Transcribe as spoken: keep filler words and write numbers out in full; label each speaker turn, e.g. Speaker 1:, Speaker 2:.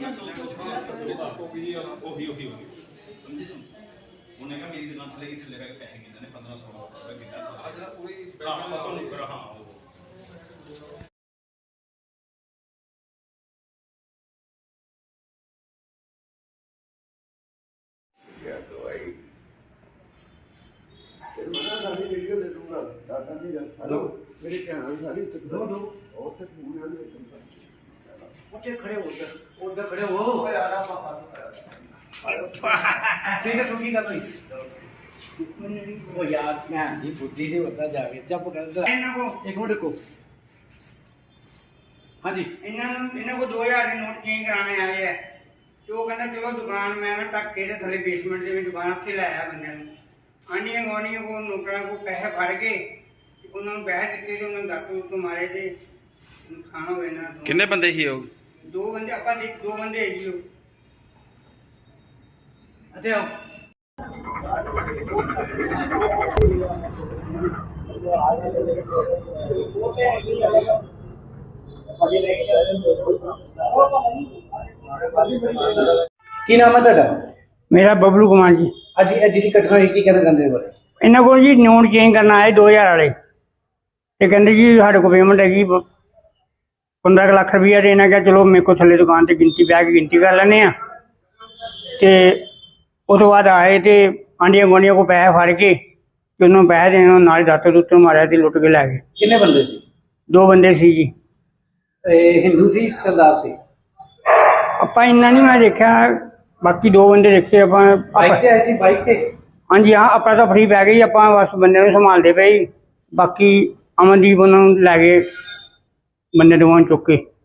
Speaker 1: ਉਹੀ ਉਹੀ ਉਹੀ ਸਮਝੇ ਤੂੰ ਉਹਨੇ ਕਹਾ ਮੇਰੀ ਦੁਕਾਨ ਥੱਲੇ ਥੱਲੇ ਬੈਗ ਪੈਸੇ ਕਿੰਨੇ ਨੇ पंद्रह सौ ਰੁਪਏ ਕਿੰਨਾ ਆ ਜਿਹੜਾ ਪੂਰੀ ਹਾਂ ਬਸ ਉਹ ਨੁਕਰ ਹਾਂ ਉਹ
Speaker 2: क्या दवाई मना सारी वीडियो ले लूंगा दादा जी हेलो मेरे ध्यान सारी दो दो और तक पूरे उठे खड़े हो गए उधर खड़े हो यार आप ठीक है सुखी का भाई वो यार मैं जी बुद्धि से बता जावे चुप कर इन्हां को एक मिनट को हां जी इन्हां इन्हां को दो हज़ार के नोट चेंज कराने आए हैं तो कहना चलो दुकान मैं ना तक के थले बेसमेंट से दुकान उत्थे लाया बंदे आंडियां गुआंढियां को नौकरां को पैसे फड़ के उन्होंने पैसे दिते जो उन्होंने दातू तो मारे थे खाना होए ना
Speaker 3: कितने बंदे ही हो
Speaker 2: दो बंदे अपा दो बंदे है जी अच्छा आओ की नाम है ਤੁਹਾਡਾ
Speaker 4: मेरा बबलू कुमार जी
Speaker 2: ਅੱਜ ਇਹ ਜਿਹੜੀ ਘਟਨਾ ਹੋਈ ਕੀ ਕਹਿਣਾ ਚਾਹੁੰਦੇ ਹੋ
Speaker 4: इन्हों को जी नोट चेंज करना आए दो हज़ार वाले तो कहते जी साढ़े को पेमेंट हैगी पंद्रह लाख रुपया देना क्या चलो मेरे को थले दुकान से गिनती बह के गिनती कर लें तो उस बाद आए तो आंडिया गुआंढियों को पैसे फड़ के उन्होंने पैसे देने नाल दाते दुते मारे तो लुट के लै गए
Speaker 2: कितने बंदे सी
Speaker 4: दो बंदे सी जी
Speaker 2: हिंदू सी सरदार सी
Speaker 4: ਆਪਾਂ ਇੰਨਾ नहीं मैं देखा बाकी दो बंदे देखे ਆਪਾਂ
Speaker 2: बाइक ते आई सी बाइक ते
Speaker 4: हाँ जी हाँ अपना तो फ्री पै गई ਆਪਾਂ बस बंदे ਨੂੰ संभालते पे बाकी अमनदीप उन्होंने लै गए बंदे दोवां चुक के